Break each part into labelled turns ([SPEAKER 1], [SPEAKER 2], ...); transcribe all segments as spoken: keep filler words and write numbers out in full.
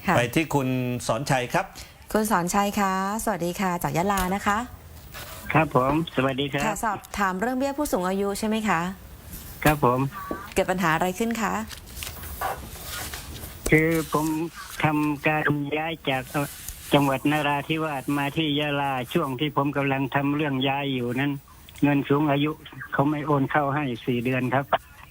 [SPEAKER 1] ไปที่คุณสอนชัยครับ
[SPEAKER 2] คุณสอนชัยคะสวัสดีค่ะจากยะลานะคะ
[SPEAKER 3] ครับผมสวัสดีครับ
[SPEAKER 2] ค่ะสอบถามเรื่องเบี้ยผู้สูงอายุใช่ไหมคะ
[SPEAKER 3] ครับผม
[SPEAKER 2] เกิดปัญหาอะไรขึ้นคะ
[SPEAKER 3] คือผมทำการย้ายจากจังหวัดนราธิวาสมาที่ยะลาช่วงที่ผมกำลังทำเรื่องย้ายอยู่นั้นเงินสูงอายุเขาไม่โอนเข้าให้สี่เดือนครับ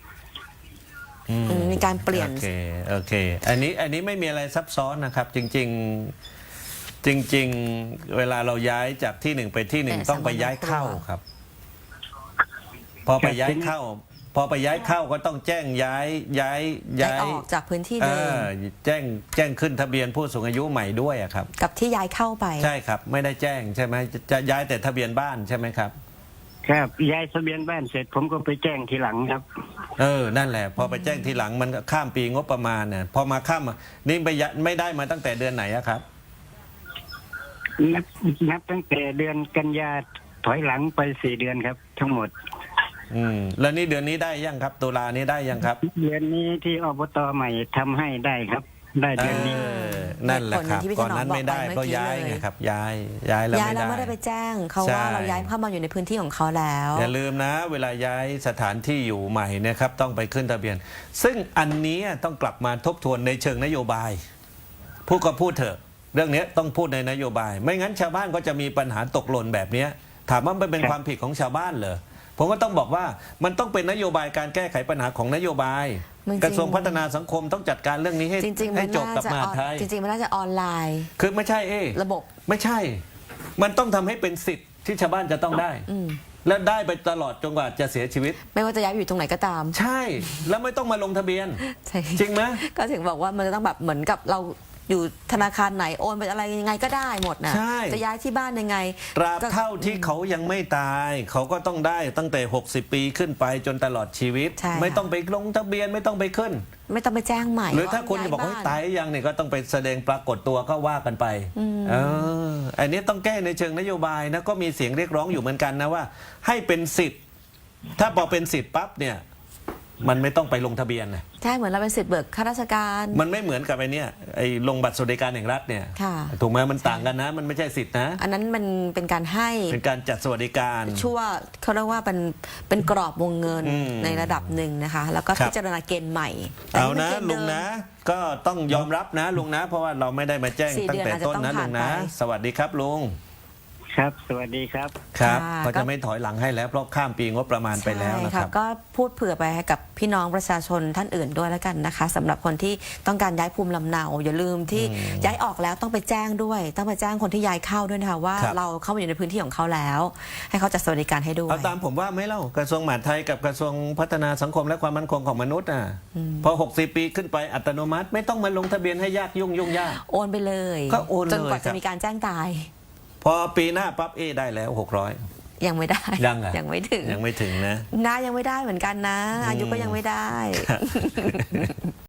[SPEAKER 2] มีการเปลี่ยน
[SPEAKER 1] โอเคโอเคอันนี้อันนี้ไม่มีอะไรซับซ้อนนะครับจริงๆจริงๆเวลาเราย้ายจากที่หนึ่งไปที่หนึ่งต้องไปย้ายเข้าครับพอไปย้ายเข้าพอไปย้ายเข้าก็ต้องแจ้งย้ายย้าย
[SPEAKER 2] ย้ายออกจากพื้นที่เดิม
[SPEAKER 1] แจ้งแจ้งขึ้นทะเบียนผู้สูงอายุใหม่ด้วยครับ
[SPEAKER 2] กับที่ย้ายเข้าไป
[SPEAKER 1] ใช่ครับไม่ได้แจ้งใช่ไหมจะย้ายแต่ทะเบียนบ้านใช่ไหมครับ
[SPEAKER 3] ครับย้ายทะเบียนบ้านเสร็จผมก็ไปแจ้งทีหลังครับ
[SPEAKER 1] เออนั่นแหละพอไปแจ้งทีหลังมันข้ามปีงบประมาณเนี่ยพอมาข้ามนี่ไปไม่ได้มาตั้งแต่เดือนไหนครับ
[SPEAKER 3] นับนับตั้งแต่เดือนกันยาถอยหลังไปสี่เดือนครับทั้งหมด
[SPEAKER 1] อืมแล้วนี่เดือนนี้ได้ยังครับตุลานี้ได้ยังครับ
[SPEAKER 3] เดือนนี้ที่อบตใหม่ทำให้ได้ครับได้เดือนนี้
[SPEAKER 1] นั่นแหละครับก่อนนั้นไม่ได้เพราะย้ายไงครับย้ายย้ายแล้วไม่ได้
[SPEAKER 2] ย้ายแล้วไม่ได้ไปแจ้งเขาว่าเราย้ายเข้ามาอยู่ในพื้นที่ของเขาแล้ว
[SPEAKER 1] อย่าลืมนะเวลาย้ายสถานที่อยู่ใหม่นะครับต้องไปขึ้นทะเบียนซึ่งอันนี้ต้องกลับมาทบทวนในเชิงนโยบายพูดก็พูดเถอะเรื่องนี้ต้องพูดในนโยบายไม่งั้นชาวบ้านก็จะมีปัญหาตกหล่นแบบนี้ถามว่ามันเป็นความผิดของชาวบ้านเหรอผมก็ต้องบอกว่ามันต้องเป็นนโยบายการแก้ไขปัญหาของนโยบายกระทรวงพัฒนาสังคมต้องจัดการเรื่องนี้ให้ให้จบกับมหาไทย
[SPEAKER 2] จริงๆมันน่าจะออนไลน์
[SPEAKER 1] คือไม่ใช่เอ
[SPEAKER 2] ระบบ
[SPEAKER 1] ไม่ใช่มันต้องทำให้เป็นสิทธิ์ที่ชาวบ้านจะต้องได้และได้ไปตลอดจนกว่าจะเสียชีวิต
[SPEAKER 2] ไม่ว่าจะย้ายอยู่ตรงไหนก็ตาม
[SPEAKER 1] ใช่แล้วไม่ต้องมาลงทะเบียนจริงไหม
[SPEAKER 2] ก็ถึงบอกว่ามันจะต้องแบบเหมือนกับเราอยู่ธนาคารไหนโอนไปอะไรยังไงก็ได้หมดนะจะย้ายที่บ้านยังไง
[SPEAKER 1] ตราบเท่าที่เขายังไม่ตายเขาก็ต้องได้ตั้งแต่หกสิบปีขึ้นไปจนตลอดชีวิตไม่ต้องไปลงทะเบียนไม่ต้องไปขึ้น
[SPEAKER 2] ไม่ต้องไปแจ้งใหม่
[SPEAKER 1] หรือถ้าคุณจะบอกว่าตายยังเนี่ยก็ต้องไปแสดงปรากฏตัวก็ว่ากันไปเอออันนี้ต้องแก้ในเชิงนโยบายนะก็มีเสียงเรียกร้องอยู่เหมือนกันนะว่าให้เป็นสิทธิ์ถ้าพอเป็นสิทธิ์ปั๊บเนี่ยมันไม่ต้องไปลงทะเบียนนะ
[SPEAKER 2] ใช่เหมือนเราเป็นสิทธิ์เบิกข้าราชการ
[SPEAKER 1] มันไม่เหมือนกับไอ้นี่ไอ้ลงบัตรสวัสดิการแห่งรัฐเนี่ยถูกไหมมันต่างกันนะมันไม่ใช่สิทธินะ
[SPEAKER 2] อันนั้นมันเป็นการให้
[SPEAKER 1] เป็นการจัดสวัสดิการ
[SPEAKER 2] ชั่วเขาเรียกว่าเป็นเป็นกรอบวงเงินในระดับหนึ่งนะคะแล้วก็พิจารณาเกณฑ์ใหม่
[SPEAKER 1] เอานะลุงนะก็ต้องยอมรับนะลุงนะเพราะว่าเราไม่ได้มาแจ้งตั้งแต่ต้นนะลุงนะสวัสดีครับลุง
[SPEAKER 3] ครับสวัสดีครับ
[SPEAKER 1] ครับก็จะไม่ถอยหลังให้แล้วเพราะข้ามปีงบประมาณไปแล้วนะครับ
[SPEAKER 2] ก็พูดเผื่อไปให้กับพี่น้องประชาชนท่านอื่นด้วยแล้วกันนะคะสำหรับคนที่ต้องการย้ายภูมิลำเนาอย่าลืมที่ย้ายออกแล้วต้องไปแจ้งด้วยต้องไปแจ้งคนที่ย้ายเข้าด้วยนะคะว่าเราเข้ามาอยู่ในพื้นที่ของเขาแล้วให้เขาจัดสวัสดิการให้ด้วย
[SPEAKER 1] เอาตามผมว่าไม่เล่ากระทรวงมหาดไทยกับกระทรวงพัฒนาสังคมและความมั่นคงของมนุษย์อ่ะพอหกสิบปีขึ้นไปอัตโนมัติไม่ต้องมาลงทะเบียนให้ยากยุ่งยุ่งยาก
[SPEAKER 2] โอนไปเลย
[SPEAKER 1] ก็โอนเลย
[SPEAKER 2] จนกว่าจะมีการแจ้งตาย
[SPEAKER 1] พอปีหน้าปั๊บเอได้แล้วหกร้อย
[SPEAKER 2] ยังไม่ได้
[SPEAKER 1] ยังอ่ะ
[SPEAKER 2] ยังไม่ถึง
[SPEAKER 1] ยังไม่ถึงนะ
[SPEAKER 2] น้ายังไม่ได้เหมือนกันนะอายุก็ยังไม่ได้